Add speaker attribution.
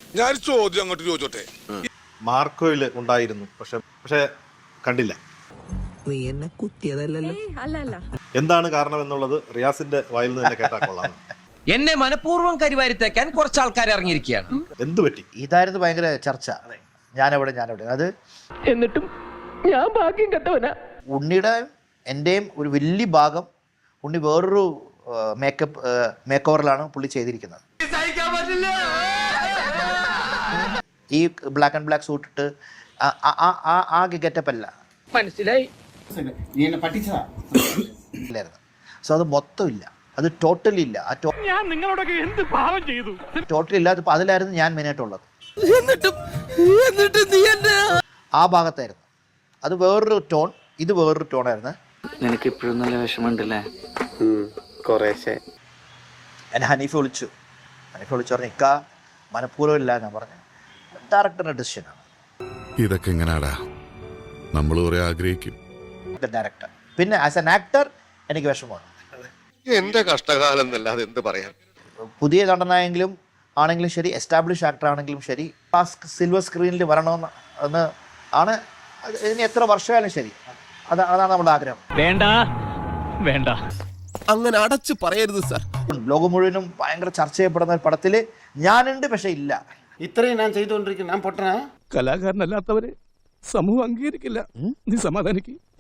Speaker 1: ഞാൻ ചോദ്യം അങ്ങോട്ട് ചോദിച്ചോട്ടെ.
Speaker 2: മാർക്കോയിൽ ഉണ്ടായിരുന്നു, പക്ഷെ കണ്ടില്ല.
Speaker 3: നീ എന്നെ കുത്തിയതല്ലല്ലോ.
Speaker 4: അല്ല
Speaker 2: എന്താണ് കാരണം എന്നുള്ളത് റിയാസിന്റെ വായിൽ നിന്ന് തന്നെ കേട്ടാ കൊള്ളാം.
Speaker 5: എന്നെ മനഃപൂർവ്വം കരിവാരിത്തേക്കാൻ കുറച്ച് ആൾക്കാർ ഇറങ്ങിയിരിക്കുകയാണ്.
Speaker 2: എന്തു പറ്റി?
Speaker 6: ഇതായിരുന്നു ഭയങ്കര ചർച്ച. ഞാനെവിടെ അത്
Speaker 7: എന്നിട്ടും ഞാൻ ഭാഗ്യം കെട്ടവനാ.
Speaker 6: ഉണ്ണിയുടെ എൻ്റെയും ഒരു വലിയ ഭാഗം ഉണ്ണി വേറൊരു മേക്ക് ഓവറിലാണ് പുള്ളി ചെയ്തിരിക്കുന്നത്. ഈ ബ്ലാക്ക് ആൻഡ് ബ്ലാക്ക് സൂട്ട് ഇട്ട് ആ ഗെറ്റപ്പ് അല്ല
Speaker 7: മനസ്സിലായി.
Speaker 6: ഇല്ലായിരുന്നു. സോ അത് മൊത്തം ഇല്ല, അത് ടോട്ടലി ഇല്ല.
Speaker 7: ഞാൻ നിങ്ങളോടൊക്കെ എന്ത് പാവം ചെയ്തു?
Speaker 6: ടോട്ടലി ഇല്ലാത്ത അതിലായിരുന്നു ഞാൻ മെയിനായിട്ടുള്ളത്.
Speaker 3: എന്നിട്ട് നീ എന്നെ
Speaker 6: ആ ഭാഗത്തായിരുന്നു. അത് വേറൊരു ടോൺ, ഇത് വേറൊരു ടോണായിരുന്നു.
Speaker 8: നിനക്ക് ഇപ്പോഴും നല്ല വിഷമമുണ്ടല്ലേ?
Speaker 6: എന്നെ ഹനീഫ് വിളിച്ചു പറഞ്ഞു ഇക്കാ മനഃപൂർവ്വം ഇല്ല. ഞാൻ പറഞ്ഞു ഡയറക്ടറിന്റെ ഡിസിഷനാണ്.
Speaker 1: ഇതൊക്കെ എങ്ങനാടാ നമ്മൾ കുറെ ആഗ്രഹിക്കും.
Speaker 6: ഡയറക്ടർ പിന്നെ ആസ് എൻ ആക്ടർ എനിക്ക് വിഷമമാണ്.
Speaker 9: എന്റെ കഷ്ടകാലം എന്നല്ലാതെ എന്ത് പറയാൻ.
Speaker 6: പുതിയ നടനായെങ്കിലും ആണെങ്കിലും ശരി, എസ്റ്റാബ്ലിഷ് ആക്ടർ ആണെങ്കിലും ശരി, ആ സിൽവർ സ്ക്രീനിൽ വരണമെന്ന് എന്ന് ആണ്. ഇനി എത്ര വർഷമായാലും ശരി, അതാണ് നമ്മുടെ ആഗ്രഹം.
Speaker 7: വേണ്ട
Speaker 3: അങ്ങനെ അടച്ചു പറയരുത് സാർ.
Speaker 6: ലോകം മുഴുവനും ഭയങ്കര ചർച്ച ചെയ്യപ്പെടുന്ന ഒരു പടത്തിൽ ഞാനുണ്ട്, പക്ഷെ ഇല്ല.
Speaker 10: ഇത്രയും ഞാൻ ചെയ്തുകൊണ്ടിരിക്കുന്നു. ഞാൻ പൊട്ടനാ?
Speaker 7: കലാകാരനല്ലാത്തവരെ സമൂഹം അംഗീകരിക്കില്ല. നീ സമാധാനിക്ക്.